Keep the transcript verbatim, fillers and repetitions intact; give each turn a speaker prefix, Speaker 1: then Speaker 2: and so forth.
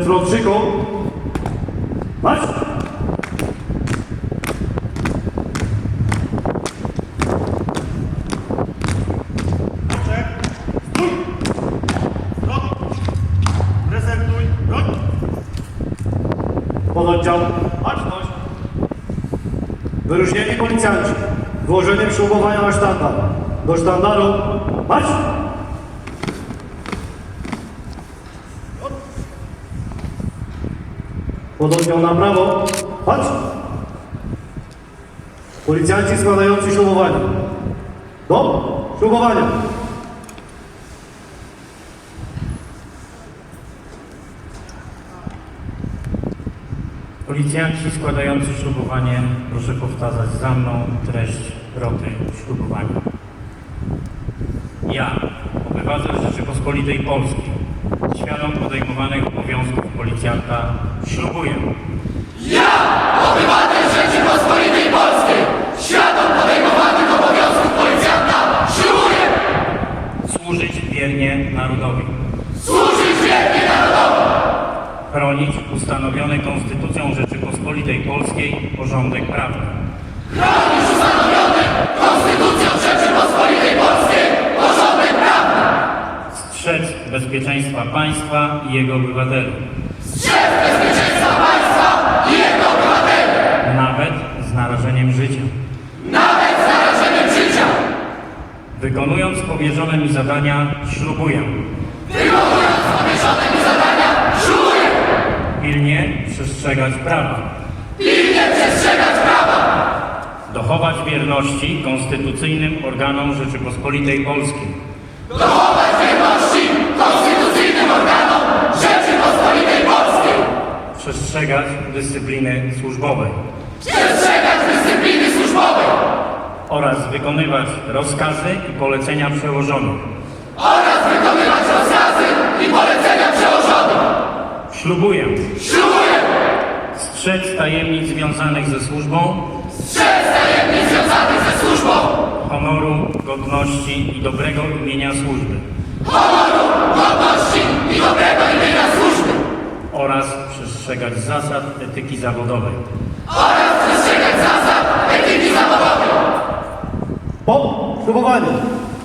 Speaker 1: frączyku. Marsz!
Speaker 2: Stój! Stop! Prezentuj broń!
Speaker 1: Pododdział.
Speaker 2: Baczność!
Speaker 1: Wyróżnieni policjanci. Włożeniem ślubowania na sztandar. Do sztandaru. Marsz! Pododdział na prawo. Patrz! Policjanci składający ślubowanie. Do ślubowania.
Speaker 3: Policjanci składający ślubowanie, proszę powtarzać za mną treść roty ślubowania. Ja, obywatel Rzeczypospolitej Polskiej, świadom podejmowanych obowiązków policjanta, ślubuję
Speaker 4: Ja, obywatel Rzeczypospolitej Polskiej, świadom podejmowanych obowiązków policjanta, ślubuję
Speaker 3: służyć wiernie narodowi,
Speaker 4: służyć wiernie narodowi,
Speaker 3: chronić ustanowiony Konstytucją Rzeczypospolitej Polskiej porządek prawny,
Speaker 4: chronić ustanowiony Konstytucją Rzeczypospolitej Polskiej porządek prawny,
Speaker 3: strzec bezpieczeństwa państwa i jego obywateli,
Speaker 4: strzec bezpieczeństwa państwa i jego obywateli,
Speaker 3: nawet z narażeniem życia.
Speaker 4: nawet z narażeniem życia,
Speaker 3: Wykonując powierzone mi zadania, ślubuję
Speaker 4: wykonując powierzone mi zadania, ślubuję
Speaker 3: pilnie przestrzegać prawa,
Speaker 4: pilnie przestrzegać prawa,
Speaker 3: dochować wierności konstytucyjnym organom Rzeczypospolitej Polskiej,
Speaker 4: dochować wierności konstytucyjnym organom Rzeczypospolitej Polskiej,
Speaker 3: przestrzegać dyscypliny służbowej
Speaker 4: przestrzegać dyscypliny służbowej
Speaker 3: oraz wykonywać rozkazy i polecenia przełożonych.
Speaker 4: oraz wykonywać rozkazy i polecenia przełożonych.
Speaker 3: Ślubuję
Speaker 4: Ślubuję
Speaker 3: strzec tajemnic związanych ze służbą,
Speaker 4: strzec tajemnic związanych ze służbą,
Speaker 3: honoru, godności i dobrego imienia służby
Speaker 4: honoru, godności i dobrego imienia służby
Speaker 3: oraz przestrzegać zasad etyki zawodowej.
Speaker 4: oraz przestrzegać zasad etyki zawodowej.
Speaker 1: Po ślubowaniu.